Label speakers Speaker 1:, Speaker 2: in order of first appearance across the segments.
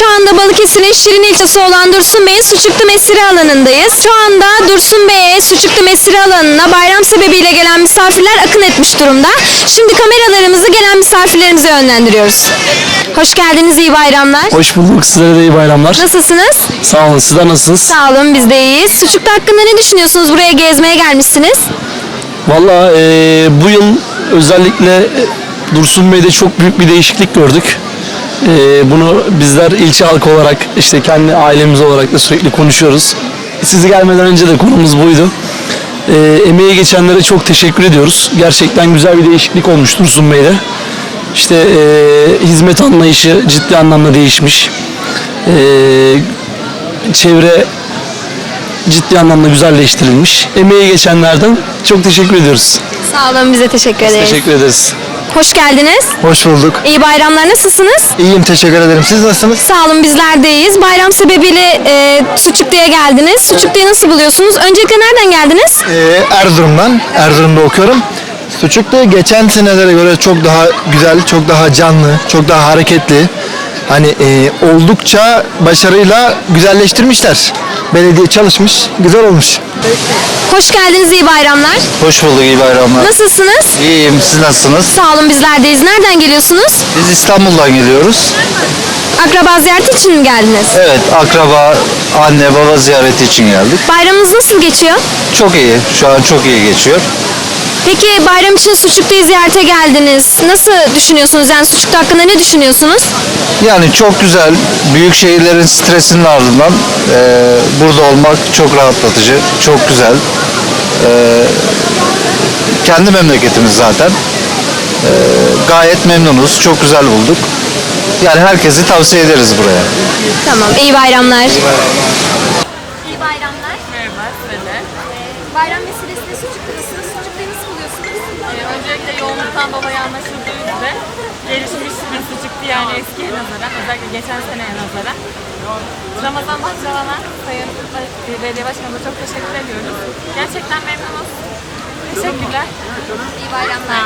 Speaker 1: Şu anda Balıkesir'in Şirin ilçesi olan Dursun Bey'in Suçuklu Mesire alanındayız. Şu anda Dursun Bey'e Suçuklu Mesire alanına bayram sebebiyle gelen misafirler akın etmiş durumda. Şimdi kameralarımızı gelen misafirlerimize yönlendiriyoruz. Hoş geldiniz, iyi bayramlar.
Speaker 2: Hoş bulduk. Sizlere de iyi bayramlar.
Speaker 1: Nasılsınız?
Speaker 2: Sağ olun. Sizler nasılsınız?
Speaker 1: Sağ olun, biz de iyiyiz. Suçuklu hakkında ne düşünüyorsunuz? Buraya gezmeye gelmişsiniz.
Speaker 2: Valla bu yıl özellikle Dursun Bey'de çok büyük bir değişiklik gördük. Bunu bizler ilçe halkı olarak işte kendi ailemiz olarak da sürekli konuşuyoruz. Sizi gelmeden önce de konumuz buydu. Emeği geçenlere çok teşekkür ediyoruz. Gerçekten güzel bir değişiklik olmuş Dursun Bey'de. İşte hizmet anlayışı ciddi anlamda değişmiş. Çevre ciddi anlamda güzelleştirilmiş. Emeği geçenlerden çok teşekkür ediyoruz.
Speaker 1: Sağ olun, bize teşekkür ederiz.
Speaker 2: Teşekkür ederiz.
Speaker 1: Hoş geldiniz.
Speaker 3: Hoş bulduk.
Speaker 1: İyi bayramlar, nasılsınız?
Speaker 3: İyiyim, teşekkür ederim. Siz nasılsınız?
Speaker 1: Sağ olun, bizler de iyiyiz. Bayram sebebiyle Suçuklu'ya geldiniz. Suçuklu'yu nasıl buluyorsunuz? Öncelikle nereden geldiniz?
Speaker 3: Erzurum'dan. Erzurum'da okuyorum. Suçuklu geçen senelere göre çok daha güzel, çok daha canlı, çok daha hareketli. Hani oldukça başarıyla güzelleştirmişler. Belediye çalışmış, güzel olmuş.
Speaker 1: Hoş geldiniz, iyi bayramlar.
Speaker 3: Hoş bulduk, iyi bayramlar.
Speaker 1: Nasılsınız?
Speaker 3: İyiyim, siz nasılsınız?
Speaker 1: Sağ olun, bizler deyiz. Nereden geliyorsunuz?
Speaker 3: Biz İstanbul'dan geliyoruz.
Speaker 1: Akraba ziyareti için mi geldiniz?
Speaker 3: Evet, akraba, anne, baba ziyareti için geldik.
Speaker 1: Bayramınız nasıl geçiyor?
Speaker 3: Çok iyi, şu an çok iyi geçiyor.
Speaker 1: Peki bayram için Suçuklu'yu ziyarete geldiniz. Nasıl düşünüyorsunuz? Yani Suçuklu hakkında ne düşünüyorsunuz?
Speaker 3: Yani çok güzel, büyük şehirlerin stresinin ardından burada olmak çok rahatlatıcı, çok güzel. Kendi memleketimiz zaten. Gayet memnunuz, çok güzel bulduk. Yani herkesi tavsiye ederiz buraya.
Speaker 1: Tamam, iyi bayramlar.
Speaker 4: İyi bayramlar.
Speaker 5: Merhaba, söyle.
Speaker 4: Bayram vesilesiyle Suçuklu'dasınız. Suçuklu'yu nasıl buluyorsunuz?
Speaker 5: Öncelikle yoğunluktan dolayı anlaşıldığı üzere gelişmiş bir sucuklu, yani eskiye nazaran, özellikle geçen seneye nazaran. Ramazan Bahçıvan'a, Sayın Belediye Başkanı'na çok teşekkür ediyoruz. Gerçekten memnunuz. Teşekkürler.
Speaker 4: İyi bayramlar.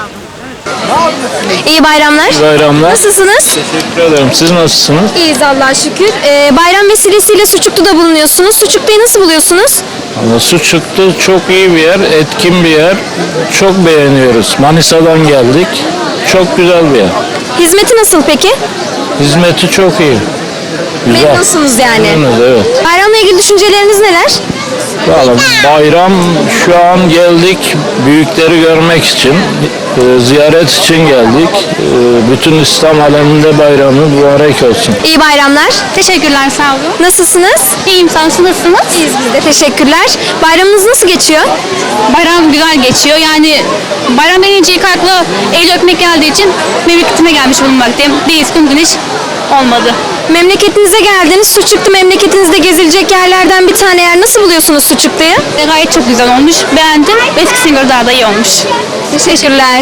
Speaker 1: İyi bayramlar.
Speaker 6: Bayramlar.
Speaker 1: Nasılsınız?
Speaker 6: Teşekkür ederim. Siz nasılsınız?
Speaker 1: İyiyiz Allah'a şükür. Bayram vesilesiyle Suçuklu'da bulunuyorsunuz. Suçuklu'yu nasıl buluyorsunuz?
Speaker 6: Suçuklu çok iyi bir yer, etkin bir yer. Çok beğeniyoruz. Manisa'dan geldik. Çok güzel bir yer.
Speaker 1: Hizmeti nasıl peki?
Speaker 6: Hizmeti çok iyi. Güzel.
Speaker 1: Memnunsunuz yani.
Speaker 6: Memnunuz, evet.
Speaker 1: Bayramla ilgili düşünceleriniz neler?
Speaker 6: Vallahi bayram, şu an geldik büyükleri görmek için, ziyaret için geldik. Bütün İslam aleminde bayramı mübarek olsun.
Speaker 1: İyi bayramlar.
Speaker 4: Teşekkürler, sağ olun.
Speaker 1: Nasılsınız?
Speaker 4: İyiyim, sen nasılsınız?
Speaker 1: İyiyiz biz de. Teşekkürler. Bayramınız nasıl geçiyor?
Speaker 4: Bayram güzel geçiyor. Yani bayram denince ilk akla el öpmek geldiği için memleketime gelmiş bulunmaktayım. Bir üstün güneş olmadı.
Speaker 1: Memleketinize geldiniz. Suçuklu memleketinizde gezilecek yerlerden bir tane yer. Nasıl buluyorsunuz Suçuklu'yu?
Speaker 4: Gayet çok güzel olmuş. Beğendim. Eskisine göre daha da iyi olmuş.
Speaker 1: Teşekkürler.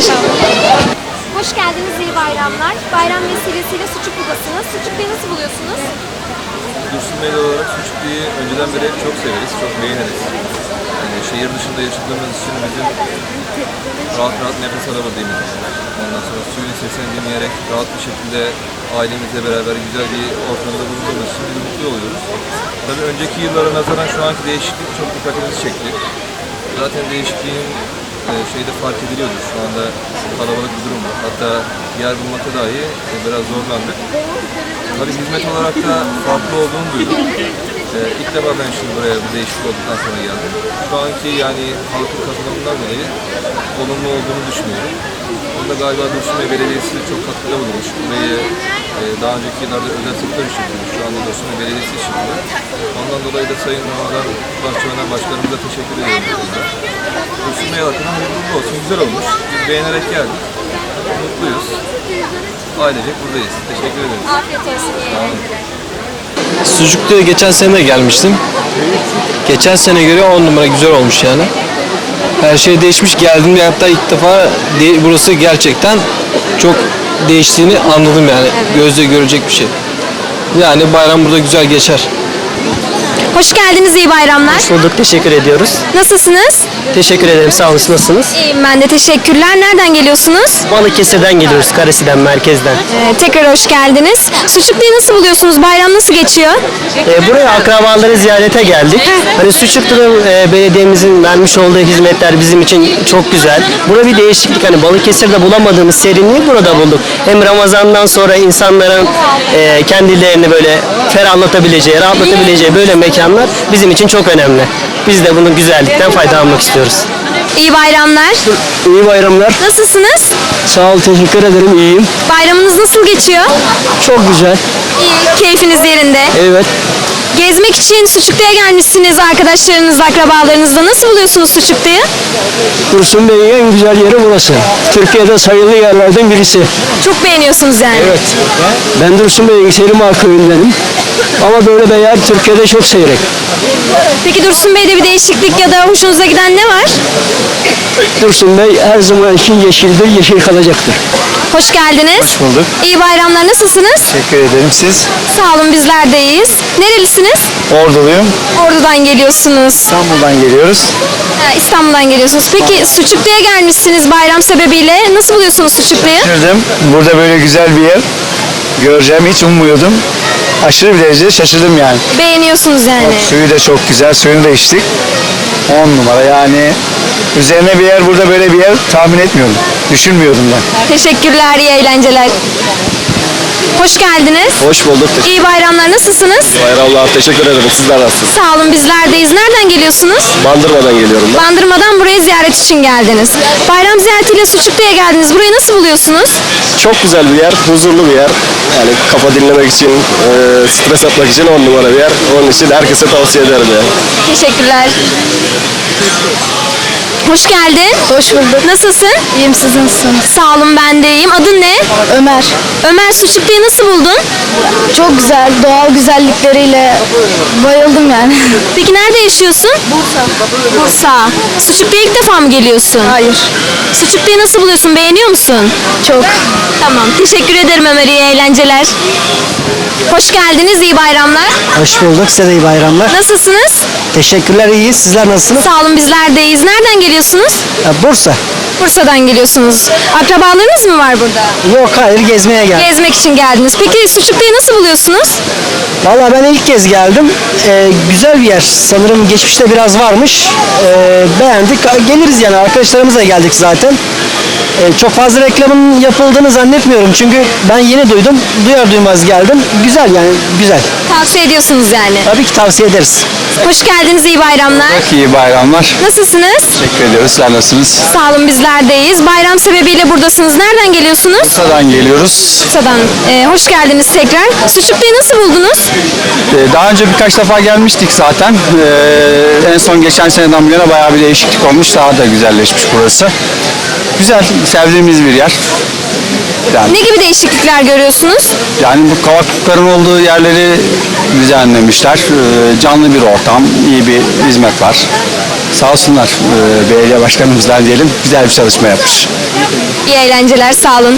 Speaker 4: Hoş geldiniz, iyi bayramlar. Bayram vesilesiyle Suçuklu'dasınız. Suçuklu'yu nasıl buluyorsunuz?
Speaker 7: Dursun Beyli olarak Suçuklu'yu önceden beri çok severiz, çok beğeniriz. Yani şehir dışında yaşadığımız için bizim rahat rahat nefes alabildiğimiz, ondan sonra suyun sesini dinleyerek rahat bir şekilde ailemizle beraber güzel bir ortamda bulunduğumuz için biz mutlu oluyoruz. Tabii önceki yıllara nazaran şu anki değişiklik çok dikkatimizi çekti. Zaten değişikliğin şeyde fark ediliyordu. Şu anda kalabalık bir durum var. Hatta yer bulmakta dahi biraz zorlandık. Tabii hizmet olarak da farklı olduğunu duydum. İlk defa ben şimdi buraya bu değişiklik olduktan sonra geldim. Şu anki yani halkın katılımından dolayı olumlu olduğunu düşünüyorum. Bunda galiba Dursun Bey Belediyesi çok katkıda bulunmuş. Burayı daha önceki yıllarda özel sektör işletiyormuş. Şu anda Dursun Bey Belediyesi işletiyor. Ondan dolayı da Sayın Ramazan Bahçıvan'a başkanımıza teşekkür ediyorum. Dursun Bey hakkında hayırlı olsun. Güzel olmuş. Biz beğenerek geldik. Mutluyuz. Ailecek buradayız. Teşekkür ederiz.
Speaker 4: Afiyet olsun.
Speaker 2: Sucuklu'ya geçen sene de gelmiştim. Geçen sene göre 10 numara güzel olmuş yani. Her şey değişmiş. Geldiğimde hatta ilk defa burası gerçekten çok değiştiğini anladım yani. Gözle görecek bir şey. Yani bayram burada güzel geçer.
Speaker 1: Hoş geldiniz, iyi bayramlar.
Speaker 3: Hoş bulduk, teşekkür ediyoruz.
Speaker 1: Nasılsınız?
Speaker 8: Teşekkür ederim. Sağ olun. Nasılsınız?
Speaker 1: İyiyim ben de, teşekkürler. Nereden geliyorsunuz?
Speaker 8: Balıkesir'den geliyoruz. Karesi'den, merkezden.
Speaker 1: Tekrar hoş geldiniz. Suçuklu'yu nasıl buluyorsunuz? Bayram nasıl geçiyor?
Speaker 8: Buraya akrabaları ziyarete geldik. Hani Suçuklu'nun belediyemizin vermiş olduğu hizmetler bizim için çok güzel. Burada bir değişiklik. Hani Balıkesir'de bulamadığımız serinliği burada bulduk. Hem Ramazan'dan sonra insanların kendilerini böyle ferahlatabileceği, rahatlatabileceği böyle mekanlar bizim için çok önemli. Biz de bunun güzellikten faydalanmak istiyoruz.
Speaker 1: İyi bayramlar.
Speaker 8: İyi bayramlar.
Speaker 1: Nasılsınız?
Speaker 8: Sağ ol, teşekkür ederim. İyiyim.
Speaker 1: Bayramınız nasıl geçiyor?
Speaker 8: Çok güzel.
Speaker 1: İyi. Keyfiniz yerinde.
Speaker 8: Evet.
Speaker 1: Gezmek için Suçuklu'ya gelmişsiniz arkadaşlarınızla, akrabalarınızla. Nasıl buluyorsunuz Suçuklu'yu?
Speaker 8: Dursun Bey'in en güzel yeri burası. Türkiye'de sayılı yerlerden birisi.
Speaker 1: Çok beğeniyorsunuz yani.
Speaker 8: Evet. Ben Dursun Bey'in Selimağ köyündenim. Ama böyle bir yer Türkiye'de çok seyrek.
Speaker 1: Peki Dursun Bey'de bir değişiklik ya da hoşunuza giden ne var?
Speaker 8: Dursun Bey her zaman için yeşildir, yeşil kalacaktır.
Speaker 1: Hoş geldiniz.
Speaker 3: Hoş bulduk.
Speaker 1: İyi bayramlar. Nasılsınız?
Speaker 3: Teşekkür ederim. Siz?
Speaker 1: Sağ olun, bizler de iyiyiz. Nerelisiniz?
Speaker 3: Orduluyum.
Speaker 1: Ordu'dan geliyorsunuz.
Speaker 3: İstanbul'dan geliyoruz.
Speaker 1: İstanbul'dan geliyorsunuz. Peki Suçuklu'ya gelmişsiniz bayram sebebiyle. Nasıl buluyorsunuz Suçuklu'yu?
Speaker 3: Şaşırdım. Burada böyle güzel bir yer göreceğimi hiç ummuyordum. Aşırı bir derecede şaşırdım yani.
Speaker 1: Beğeniyorsunuz yani.
Speaker 3: Suyu da çok güzel. Suyunu da içtik. 10 numara yani. Üzerine bir yer, burada böyle bir yer tahmin etmiyordum. Düşünmüyordum ben.
Speaker 1: Teşekkürler, iyi eğlenceler. Hoş geldiniz.
Speaker 3: Hoş bulduk.
Speaker 1: İyi bayramlar. Nasılsınız?
Speaker 3: Bayramlar. Teşekkür ederim. Sizler nasılsınız?
Speaker 1: Sağ olun, bizlerdeyiz. Nereden geliyorsunuz?
Speaker 3: Bandırmadan geliyorum ben.
Speaker 1: Bandırmadan buraya ziyaret için geldiniz. Bayram ziyaretiyle Suçuklu'ya geldiniz. Burayı nasıl buluyorsunuz?
Speaker 3: Çok güzel bir yer, huzurlu bir yer. Yani kafa dinlemek için, stres atmak için 10 numara bir yer. Onun için herkese tavsiye ederim yani.
Speaker 1: Teşekkürler. Hoş geldin.
Speaker 9: Hoş bulduk.
Speaker 1: Nasılsın?
Speaker 9: İyiyim, siz nasılsınız?
Speaker 1: Sağ olun, ben de iyiyim. Adın ne?
Speaker 9: Ömer.
Speaker 1: Ömer, Suçuklu'yu nasıl buldun?
Speaker 9: Çok güzel, doğal güzellikleriyle bayıldım yani.
Speaker 1: Peki nerede yaşıyorsun? Bursa. Suçuklu'ya ilk defa mı geliyorsun?
Speaker 9: Hayır.
Speaker 1: Suçuklu'yu nasıl buluyorsun? Beğeniyor musun?
Speaker 9: Çok.
Speaker 1: Tamam. Teşekkür ederim Ömer. İyi eğlenceler. Hoş geldiniz. İyi bayramlar.
Speaker 8: Hoş bulduk. Size de iyi bayramlar.
Speaker 1: Nasılsınız?
Speaker 8: Teşekkürler, iyiyiz. Sizler nasılsınız?
Speaker 1: Sağ olun, bizler de iyiyiz. Nereden geliyorsunuz?
Speaker 8: Bursa.
Speaker 1: Bursa'dan geliyorsunuz. Akrabalarınız mı var burada?
Speaker 8: Yok, hayır, gezmeye geldim.
Speaker 1: Gezmek için geldiniz. Peki Suçuklu'yu nasıl buluyorsunuz?
Speaker 8: Vallahi ben ilk kez geldim. Güzel bir yer. Sanırım geçmişte biraz varmış. Beğendik. Geliriz yani. Arkadaşlarımızla geldik zaten. Çok fazla reklamın yapıldığını zannetmiyorum. Çünkü ben yeni duydum. Duyar duymaz geldim. Güzel yani, güzel.
Speaker 1: Tavsiye ediyorsunuz yani.
Speaker 8: Tabii ki tavsiye ederiz.
Speaker 1: Hoş geldiniz. İyi bayramlar.
Speaker 3: İyi bayramlar.
Speaker 1: Nasılsınız?
Speaker 3: Teşekkür ediyoruz. Sen nasılsınız?
Speaker 1: Sağ olun, bizler de iyiyiz. Bayram sebebiyle buradasınız. Nereden geliyorsunuz?
Speaker 3: Bursa'dan geliyoruz.
Speaker 1: Bursa'dan. Hoş geldiniz tekrar. Suçuklu'yu nasıl buldunuz?
Speaker 3: Daha önce birkaç defa gelmiştik zaten. En son geçen seneden bu yana bayağı bir değişiklik olmuş. Daha da güzelleşmiş burası. Güzel, sevdiğimiz bir yer. Yani,
Speaker 1: Ne gibi değişiklikler görüyorsunuz?
Speaker 3: yani bu kavaklıkların olduğu yerleri düzenlemişler. Canlı bir ortam, iyi bir hizmet var. Sağ olsunlar belediye başkanımızdan diyelim. Güzel bir çalışma yapmış.
Speaker 1: İyi eğlenceler, sağ olun.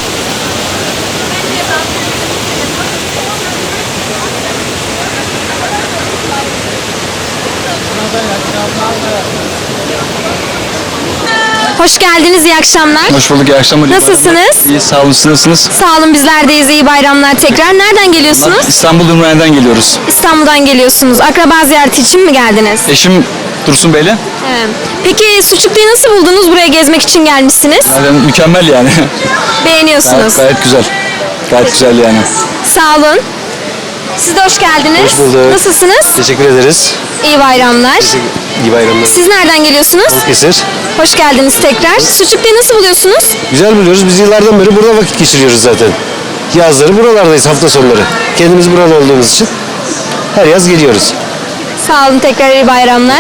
Speaker 1: Hoş geldiniz, iyi akşamlar.
Speaker 3: Hoş bulduk, iyi akşamlar.
Speaker 1: Nasılsınız?
Speaker 3: İyi, sağ olun. Siz nasılsınız?
Speaker 1: Sağ olun, bizler deyiz. İyi bayramlar tekrar. Nereden geliyorsunuz?
Speaker 3: İstanbul Ümraniye'den geliyoruz.
Speaker 1: İstanbul'dan geliyorsunuz. Akraba ziyareti için mi geldiniz?
Speaker 3: Eşim Dursun Bey'le.
Speaker 1: Evet. Peki Suçuklu'yu nasıl buldunuz? Buraya gezmek için gelmişsiniz.
Speaker 3: Mükemmel yani.
Speaker 1: Beğeniyorsunuz.
Speaker 3: Gayet güzel. Gayet güzel yani.
Speaker 1: Sağ olun. Siz de hoş geldiniz.
Speaker 3: Hoş bulduk.
Speaker 1: Nasılsınız?
Speaker 3: Teşekkür ederiz.
Speaker 1: İyi bayramlar.
Speaker 3: İyi bayramlar.
Speaker 1: Siz nereden geliyorsunuz?
Speaker 3: Kesir.
Speaker 1: Hoş geldiniz tekrar. Suçuklu'yu nasıl buluyorsunuz?
Speaker 3: Güzel biliyoruz. Biz yıllardan beri burada vakit geçiriyoruz zaten. Yazları buralardayız, hafta sonları. Kendimiz buralı olduğumuz için her yaz geliyoruz.
Speaker 1: Sağ olun, tekrar iyi bayramlar.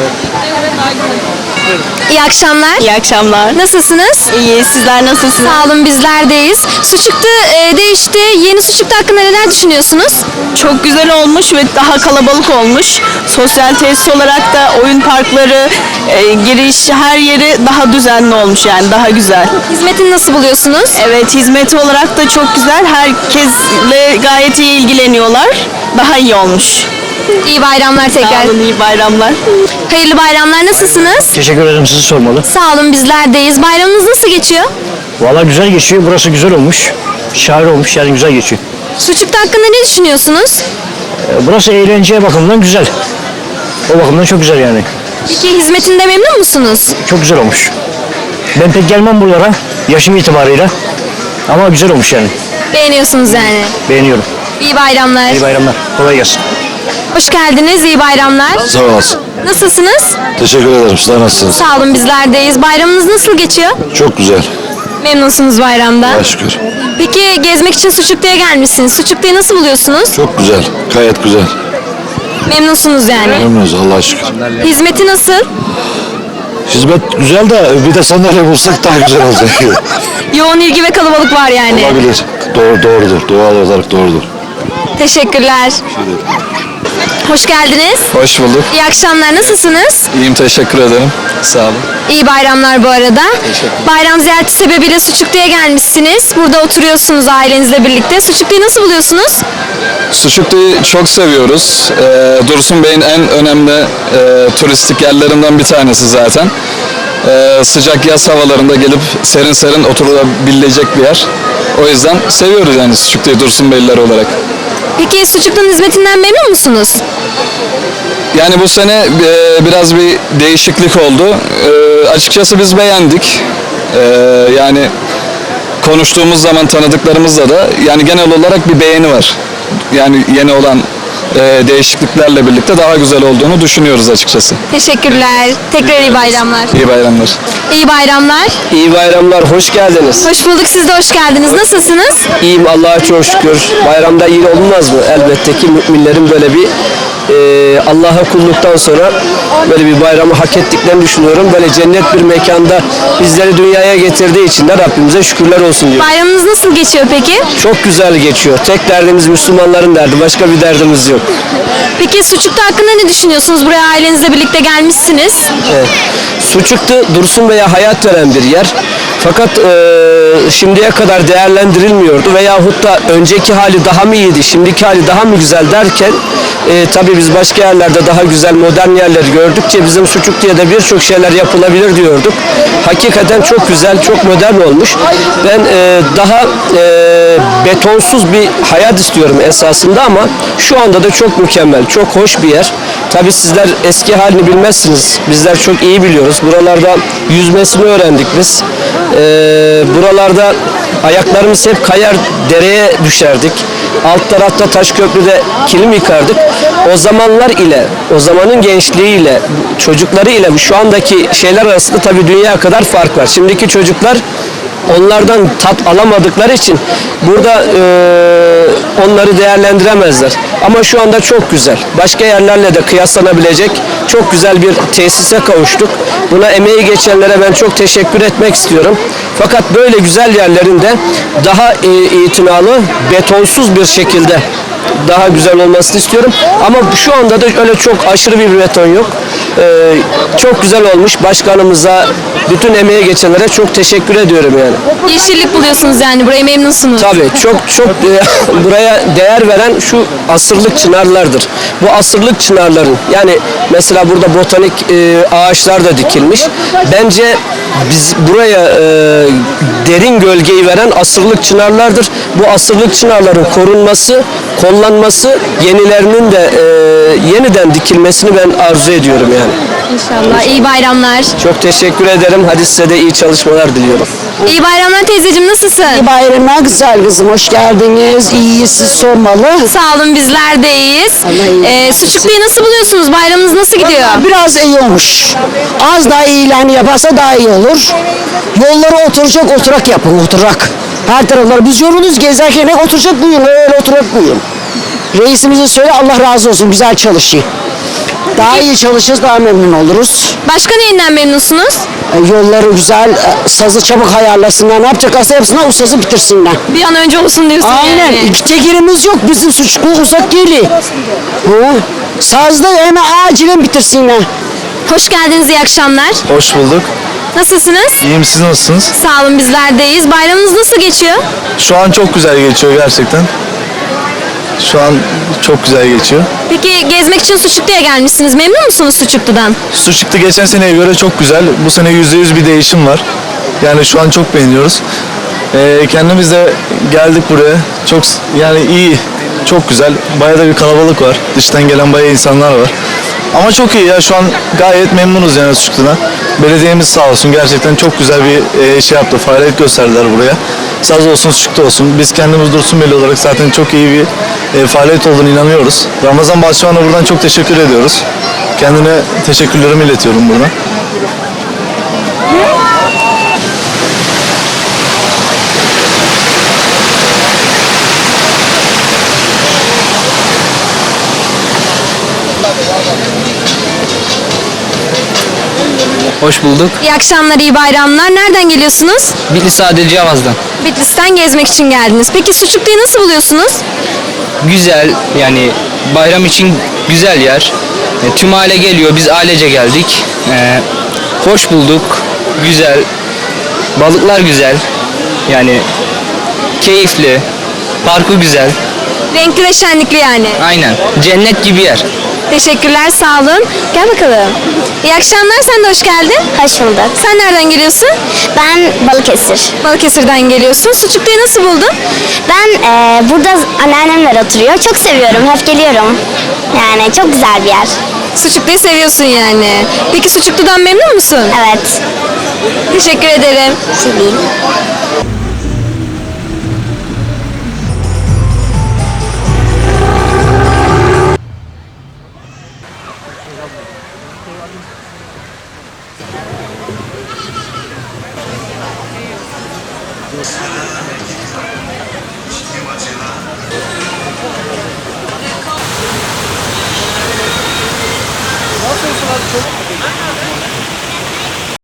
Speaker 1: İyi akşamlar.
Speaker 9: İyi akşamlar.
Speaker 1: Nasılsınız?
Speaker 9: İyi, sizler nasılsınız?
Speaker 1: Sağ olun, bizler deyiz. Suçuklu değişti. Yeni Suçuklu hakkında neler düşünüyorsunuz?
Speaker 9: Çok güzel olmuş ve daha kalabalık olmuş. Sosyal tesis olarak da oyun parkları, giriş her yeri daha düzenli olmuş yani daha güzel.
Speaker 1: Hizmetini nasıl buluyorsunuz?
Speaker 9: Evet, hizmeti olarak da çok güzel. Herkesle gayet iyi ilgileniyorlar. Daha iyi olmuş.
Speaker 1: İyi bayramlar tekrar.
Speaker 9: Sağ olun, iyi bayramlar.
Speaker 1: Hayırlı bayramlar. Nasılsınız?
Speaker 8: Teşekkür ederim, sizi sormalı.
Speaker 1: Sağ olun, bizlerdeyiz. Bayramınız nasıl geçiyor?
Speaker 8: Valla güzel geçiyor. Burası güzel olmuş. Şahane olmuş, yani güzel geçiyor.
Speaker 1: Suçuklu hakkında ne düşünüyorsunuz?
Speaker 8: Burası eğlence bakımından güzel. O bakımdan çok güzel yani.
Speaker 1: Peki hizmetinde memnun musunuz?
Speaker 8: Çok güzel olmuş. Ben pek gelmem buralara yaşım itibarıyla. Ama güzel olmuş yani.
Speaker 1: Beğeniyorsunuz yani.
Speaker 8: Beğeniyorum.
Speaker 1: İyi bayramlar.
Speaker 8: İyi bayramlar. Kolay gelsin.
Speaker 1: Hoş geldiniz. İyi bayramlar.
Speaker 10: Sağ olasın.
Speaker 1: Nasılsınız?
Speaker 10: Teşekkür ederim. Sizler nasılsınız?
Speaker 1: Sağ olun, bizlerdeyiz. Bayramınız nasıl geçiyor?
Speaker 10: Çok güzel.
Speaker 1: Memnunsunuz bayramda.
Speaker 10: Allah'a şükür.
Speaker 1: Peki gezmek için Suçuklu'ya gelmişsiniz. Suçuklu'yu nasıl buluyorsunuz?
Speaker 10: Çok güzel. Gayet güzel.
Speaker 1: Memnunsunuz yani.
Speaker 10: Memnunuz Allah'a şükür.
Speaker 1: Hizmeti nasıl?
Speaker 10: Hizmet güzel de bir de sandalye bulsak daha güzel olacak.
Speaker 1: Yoğun ilgi ve kalabalık var yani.
Speaker 10: Olabilir. Doğrudur. Doğal olarak doğrudur.
Speaker 1: Teşekkürler. Hoş geldiniz.
Speaker 2: Hoş bulduk.
Speaker 1: İyi akşamlar. Nasılsınız?
Speaker 2: İyiyim, teşekkür ederim. Sağ olun.
Speaker 1: İyi bayramlar bu arada. Bayram ziyareti sebebiyle Suçuklu'ya gelmişsiniz. Burada oturuyorsunuz ailenizle birlikte. Suçuklu'yu nasıl buluyorsunuz?
Speaker 2: Suçuklu'yu çok seviyoruz. Dursun Bey'in en önemli turistik yerlerinden bir tanesi zaten. Sıcak yaz havalarında gelip serin serin oturabilecek bir yer. O yüzden seviyoruz yani Suçuklu'yu Dursun Beyliler olarak.
Speaker 1: Peki Suçuklu'nun hizmetinden memnun musunuz?
Speaker 2: Yani bu sene biraz bir değişiklik oldu. Açıkçası biz beğendik. Yani konuştuğumuz zaman tanıdıklarımızla da yani genel olarak bir beğeni var. Yani yeni olan değişikliklerle birlikte daha güzel olduğunu düşünüyoruz açıkçası.
Speaker 1: Teşekkürler. Tekrar iyi bayramlar.
Speaker 2: İyi bayramlar.
Speaker 1: İyi bayramlar.
Speaker 8: İyi bayramlar, hoş geldiniz.
Speaker 1: Hoş bulduk. Siz de hoş geldiniz. Nasılsınız?
Speaker 8: İyiyim, Allah'a çok şükür. Bayramda iyi olmaz mı? Elbette ki müminlerin böyle bir Allah'a kulluktan sonra böyle bir bayramı hak ettiklerini düşünüyorum. Böyle cennet bir mekanda bizleri dünyaya getirdiği için de Rabbimize şükürler olsun diyor.
Speaker 1: Bayramınız nasıl geçiyor peki?
Speaker 8: Çok güzel geçiyor. Tek derdimiz Müslümanların derdi. Başka bir derdimiz yok.
Speaker 1: Peki Suçuklu hakkında ne düşünüyorsunuz? Buraya ailenizle birlikte gelmişsiniz.
Speaker 8: Evet. Suçuklu Dursun Bey'e hayat veren bir yer. Fakat şimdiye kadar değerlendirilmiyordu veyahut da önceki hali daha mı iyiydi, şimdiki hali daha mı güzel derken tabii biz başka yerlerde daha güzel modern yerleri gördükçe bizim Suçuklu'ya da birçok şeyler yapılabilir diyorduk. Hakikaten çok güzel, çok modern olmuş. Ben daha betonsuz bir hayat istiyorum esasında ama şu anda da çok mükemmel, çok hoş bir yer. Tabii sizler eski halini bilmezsiniz. Bizler çok iyi biliyoruz. Buralarda yüzmesini öğrendik biz. Buralarda ayaklarımız hep kayar, dereye düşerdik. Alt tarafta Taşköprü'de kilim yıkardık. O zamanlar ile, o zamanın gençliğiyle, çocukları ile şu andaki şeyler arasında tabii dünya kadar fark var. Şimdiki çocuklar onlardan tat alamadıkları için burada onları değerlendiremezler. Ama şu anda çok güzel. Başka yerlerle de kıyaslanabilecek çok güzel bir tesise kavuştuk. Buna emeği geçenlere ben çok teşekkür etmek istiyorum. Fakat böyle güzel yerlerinde daha itinalı, betonsuz bir şekilde daha güzel olmasını istiyorum. Ama şu anda da öyle çok aşırı bir beton yok. Çok güzel olmuş. Başkanımıza, bütün emeğe geçenlere çok teşekkür ediyorum yani.
Speaker 1: Yeşillik buluyorsunuz yani. Buraya memnunsunuz.
Speaker 8: Tabii çok buraya değer veren şu asırlık çınarlardır. Bu asırlık çınarların yani mesela burada botanik ağaçlar da dikilmiş. Bence biz buraya derin gölgeyi veren asırlık çınarlardır. Bu asırlık çınarların korunması, kollanması, yenilerinin de yeniden dikilmesini ben arzu ediyorum yani.
Speaker 1: İnşallah. İyi bayramlar.
Speaker 8: Çok teşekkür ederim. Hadi size de iyi çalışmalar diliyorum.
Speaker 1: İyi bayramlar teyzeciğim. Nasılsın?
Speaker 11: İyi bayramlar güzel kızım, hoş geldiniz. İyiyiz, siz sormalı.
Speaker 1: Sağ olun, bizler de iyiyiz. Suçuklu'yu nasıl buluyorsunuz? Bayramınız nasıl gidiyor?
Speaker 11: Biraz iyi olmuş. Az daha ilan yaparsa daha iyi olur. Yolları oturacak oturak yapın, oturak. Her tarafları biz yoruluz gezerken oturacak buyurun, öyle oturak buyurun. Reisimize söyle, Allah razı olsun, güzel çalışıyor. Daha iyi çalışırız, daha memnun oluruz.
Speaker 1: Başka neyinden memnunsunuz?
Speaker 11: Yolları güzel, sazı çabuk ayarlasınlar. Ne yapacaklarsa yapsınlar, ustası bitirsinler.
Speaker 1: Bir an önce olsun diyorsun
Speaker 11: Aynen.
Speaker 1: yani.
Speaker 11: İki yerimiz yok. Bizim Suçuklu uzak geliyor. Sazda hemen acilen bitirsinler.
Speaker 1: Hoş geldiniz, iyi akşamlar.
Speaker 3: Hoş bulduk.
Speaker 1: Nasılsınız?
Speaker 3: İyiyim, siz nasılsınız?
Speaker 1: Sağ olun, bizler deyiz. Bayramınız nasıl geçiyor?
Speaker 3: Şu an çok güzel geçiyor gerçekten. Şu an çok güzel geçiyor.
Speaker 1: Peki gezmek için Suçuklu'ya gelmişsiniz. Memnun musunuz Suçuklu'dan?
Speaker 3: Suçuklu geçen seneye göre çok güzel. Bu sene %100 bir değişim var. Yani şu an çok beğeniyoruz. Kendimiz de geldik buraya. Çok yani iyi, çok güzel. Bayağı da bir kalabalık var. Dıştan gelen bayağı insanlar var. Ama çok iyi ya, şu an gayet memnunuz yani Suçuklu'dan. Belediyemiz sağ olsun, gerçekten çok güzel bir şey yaptı. Faaliyet gösterdiler buraya. Saz olsun, Suçuklu olsun. Biz kendimiz Dursunbeyli olarak zaten çok iyi bir faaliyet olduğunu inanıyoruz. Ramazan Bahçıvan'a buradan çok teşekkür ediyoruz. Kendine teşekkürlerimi iletiyorum buradan.
Speaker 8: Hoş bulduk.
Speaker 1: İyi akşamlar, iyi bayramlar. Nereden geliyorsunuz?
Speaker 8: Bitlis Adil Cavaz'dan.
Speaker 1: Bitlis'ten gezmek için geldiniz. Peki Suçuklu'yu nasıl buluyorsunuz?
Speaker 8: Güzel, yani bayram için güzel yer. Tüm aile geliyor, biz ailece geldik. Hoş bulduk, güzel. Balıklar güzel. Yani keyifli. Parkı güzel.
Speaker 1: Renkli ve şenlikli yani.
Speaker 8: Aynen. Cennet gibi yer.
Speaker 1: Teşekkürler, sağ olun. Gel bakalım. İyi akşamlar, sen de hoş geldin.
Speaker 12: Hoş bulduk.
Speaker 1: Sen nereden geliyorsun?
Speaker 12: Ben Balıkesir.
Speaker 1: Balıkesir'den geliyorsun. Suçuklu'yu nasıl buldun?
Speaker 12: Ben burada anneannemler oturuyor. Çok seviyorum. Hep geliyorum. Yani çok güzel bir yer.
Speaker 1: Suçuklu'yu seviyorsun yani. Peki Suçuklu'dan memnun musun?
Speaker 12: Evet.
Speaker 1: Teşekkür ederim.
Speaker 12: Şey değil.
Speaker 3: Nasılsın abi? Çok